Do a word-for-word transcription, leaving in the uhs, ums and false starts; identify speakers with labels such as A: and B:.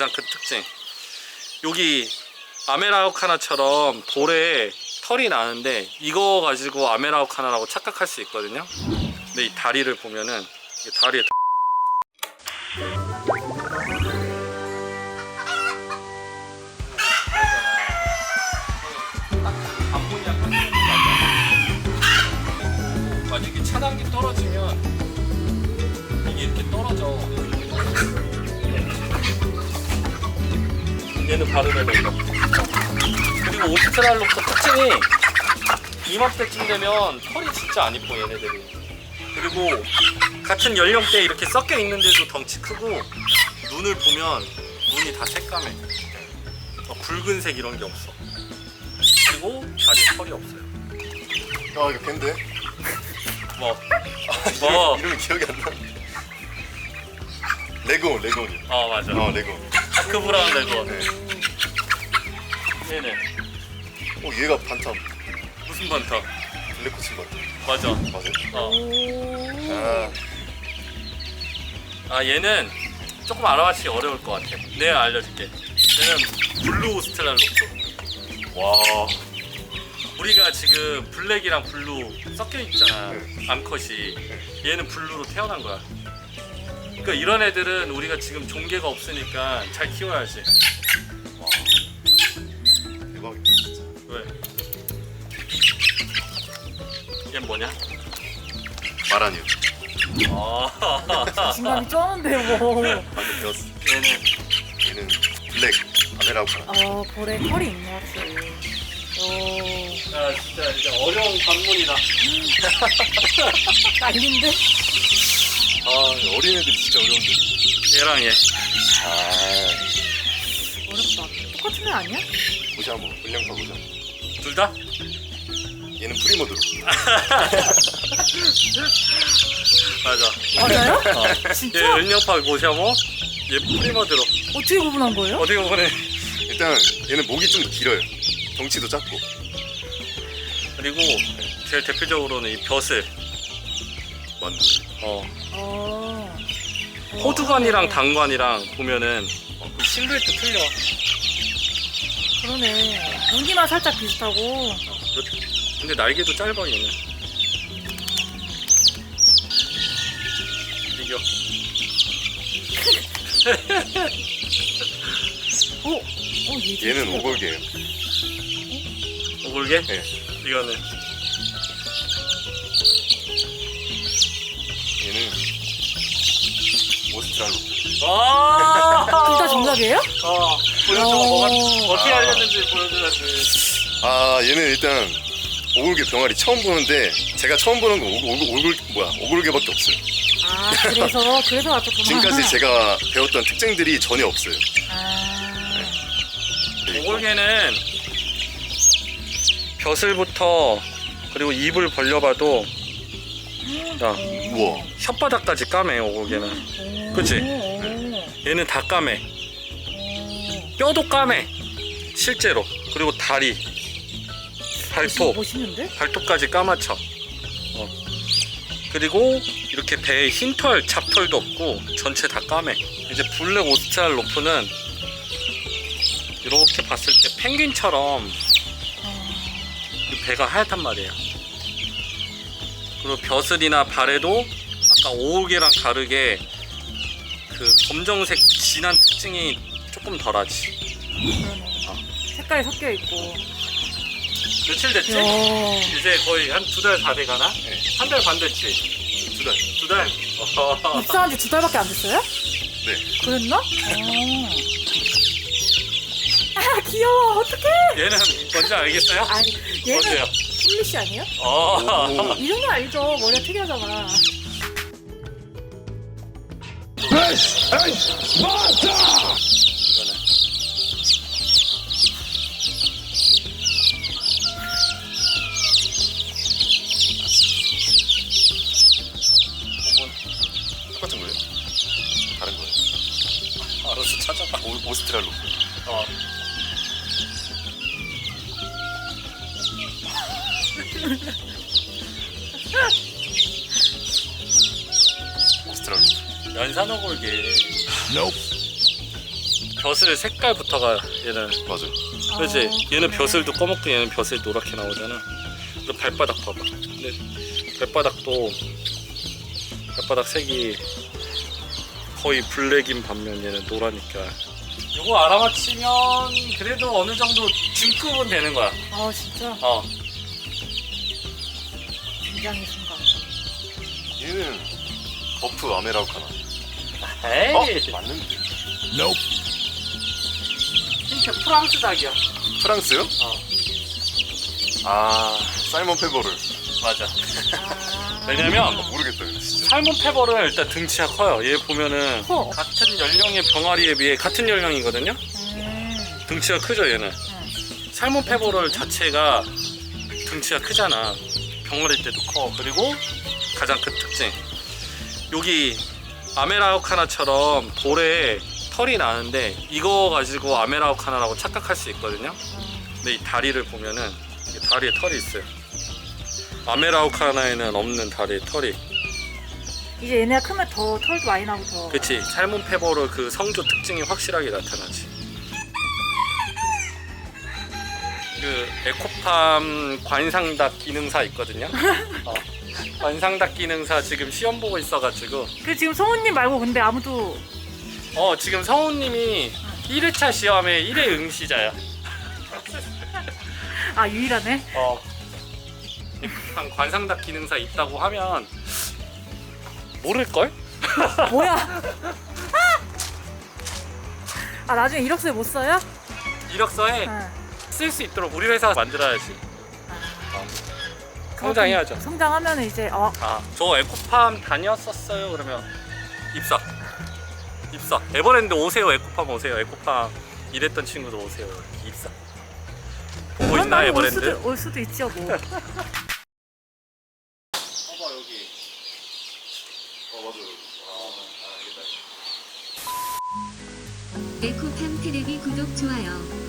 A: 가장 큰 특징. 여기 아메라우카나처럼 볼에 털이 나는데 이거 가지고 아메라우카나라고 착각할 수 있거든요. 근데 이 다리를 보면은 이 다리에 만약에 차단기 떨어지면 이게 이렇게 떨어져. 얘는 바르면 된다. 그리고 오스트랄로프 특징이 이맘때쯤 되면 털이 진짜 안 이뻐 얘네들이. 그리고 같은 연령대에 이렇게 섞여 있는데도 덩치 크고 눈을 보면 눈이 다 새까매. 어, 붉은색 이런 게 없어. 그리고 다리에 털이 없어요.
B: 아 이거 밴데?
A: 뭐?
B: 아,
A: 뭐?
B: 이름이 기억이 안 나. 레고 레고니.
A: 어 맞아.
B: 어 레고.
A: 다크 브라운 레고.
B: 네.
A: 얘네
B: 어 얘가 반탐.
A: 무슨 반타?
B: 블랙코친 반탐.
A: 맞아.
B: 맞아요?
A: 어.
B: 아
A: 아 얘는 조금 알아맞히기 어려울 것 같아. 내가 알려줄게. 얘는 블루 오스트랄로프.
B: 와.
A: 우리가 지금 블랙이랑 블루 섞여 있잖아.
B: 네.
A: 암컷이. 얘는 블루로 태어난 거야. 그러니까 이런 애들은 우리가 지금 종계가 없으니까 잘 키워야지.
B: 와. 대박이다 진짜.
A: 왜? 얘 뭐냐?
B: 마라니요.
A: 아.
C: 자신감이 쩌는데 뭐.
B: 방금 배웠어.
A: 얘는
B: 얘는 블랙 아메라우카나.
C: 아 볼에 털이 있네 확실히. 오.
A: 야 진짜 이제 어려운 관문이다.
C: 난린데?
B: 아 어린애들이 진짜 어려운데.
A: 얘랑 얘.
B: 아
C: 어렵다. 똑같은 애 아니야?
B: 고샤모 불량파 고샤모.
A: 둘 다?
B: 얘는 프리모드로.
A: 맞아.
C: 맞아요?
A: 어. 얘
C: 진짜?
A: 은영파 고샤모, 얘 프리머드로.
C: 어떻게 구분한 거예요?
A: 어떻게 보면
B: 일단 얘는 목이 좀 길어요. 덩치도 작고.
A: 그리고 제일 대표적으로는 이 벼슬.
B: 맞네.
A: 어.
C: 어.
A: 호두관이랑 당관이랑 보면은 어, 그 실루엣도 틀려.
C: 그러네. 무늬만 살짝 비슷하고.
A: 근데 날개도 짧아 얘는. 이겨.
C: 어? 어 얘 좀
B: 얘는
C: 신기하다.
B: 오골개예요.
A: 오골개?
B: 네.
A: 이거는
B: 얘는 오스트랄로프.
A: 아.
C: 둘 다 정답이에요?
A: 어. 보여줘.
C: 어.
A: 뭐가 어떻게
B: 아.
A: 알렸는지 보여줘야지.
B: 아 얘는 일단 오골개 병아리 처음 보는데 제가 처음 보는 거 오골, 오골, 오골 뭐야 오골개밖에 없어요.
C: 아 그래서 그래서 맞췄구나.
B: 지금까지 제가 배웠던 특징들이 전혀 없어요.
C: 아.
B: 그리고
A: 오골개는 벼슬부터 그리고 입을 벌려봐도 야
B: 우와.
A: 혓바닥까지 까매 오골개는.
C: 오.
A: 그치?
C: 오.
A: 얘는 다 까매.
C: 오.
A: 뼈도 까매 실제로. 그리고 다리, 발톱,
C: 멋있는데?
A: 발톱까지 까맣죠. 어. 그리고 이렇게 배에 흰털, 잡털도 없고 전체 다 까매. 이제 블랙 오스트랄로프는 이렇게 봤을 때 펭귄처럼 이 배가 하얗단 말이에요. 그리고 벼슬이나 발에도 아까 오골개랑 다르게 그 검정색 진한 특징이 조금 덜하지.
C: 그러네.
A: 어.
C: 색깔이 섞여 있고.
A: 며칠 됐지?
C: 야.
A: 이제 거의 한 두 달 다 돼가나?
B: 네.
A: 한 달 반 됐지?
B: 두 달.
A: 두 달? 어허허.
C: 입사한 지 두 달밖에 안 됐어요?
B: 네.
C: 그랬나? 어. 아 귀여워. 어떡해?
A: 얘는 뭔지 알겠어요?
C: 아니
A: 뭔데요?
C: 얘는 폴리시 아니에요?
A: 어.
B: 오.
C: 이름은 알죠. 머리가 특이하잖아.
A: 이거는
B: 똑같은 거예요? 다른 거예요?
A: 알아서 찾아봐.
B: 오, 오스트랄로프.
A: 어.
B: 오스트랄로프.
A: 연산어골개. 벼슬 색깔부터가 얘는
B: 맞아.
A: 그렇지.
C: 아,
A: 얘는
C: 그래.
A: 벼슬도 검었고 얘는 벼슬 노랗게 나오잖아. 그리고 발바닥 봐봐. 근데 발바닥도 발바닥 색이 거의 블랙인 반면 얘는 노라니까. 이거 알아맞히면 그래도 어느 정도 중급은 되는 거야.
C: 아 진짜
A: 어.
C: 굉장히 순간.
B: 얘는 버프 아메라우카나.
A: 에이.
B: 어? 맞는데.
A: 진짜 프랑스 닭이야.
B: 프랑스요?
A: 어.
B: 아 사이먼 페버를.
A: 맞아.
C: 아.
A: 왜냐면
B: 모르겠다 근데 진짜.
A: 살몬 페버는 일단 등치가 커요. 얘 보면은
C: 커.
A: 같은 연령의 병아리에 비해 같은 연령이거든요.
C: 음.
A: 등치가 크죠 얘는.
C: 응.
A: 살몬 페버럴 자체가 등치가 크잖아. 병아리 때도 커. 그리고 가장 큰 특징, 여기 아메라우카나처럼 볼에 털이 나는데 이거 가지고 아메라우카나라고 착각할 수 있거든요. 근데 이 다리를 보면은 이 다리에 털이 있어요. 아메라우카나에는 없는 다리에 털이.
C: 이제 얘네가 크면 더 털도 많이 나고 더.
A: 그치. 살몬 페버럴 그 성조 특징이 확실하게 나타나지. 그 에코팜 관상닭 기능사 있거든요. 어. 관상닭 기능사 지금 시험 보고 있어가지고
C: 그 지금 성우님 말고 근데 아무도
A: 어 지금 성우님이 일 회차 시험에 일 회 응시자야.
C: 아 유일하네.
A: 어 에코팜 관상닭 기능사 있다고 하면 모를걸?
C: 뭐야? 아 나중에 이력서에 못 써요?
A: 이력서에
C: 응.
A: 쓸 수 있도록 우리 회사 만들어야지. 어. 성장해야죠.
C: 성장하면 이제 어
A: 아, 저 에코팜 다녔었어요. 그러면 입사. 입사. 에버랜드 오세요. 에코팜 오세요. 에코팜 일했던 친구도 오세요. 입사. 보고
C: 그런
A: 있나
C: 날이 올
A: 에버랜드?
C: 수도 올 수도 있죠 뭐.
A: 봐봐 여기.
B: 어 맞아.
D: 에코팜 테레비 구독 좋아요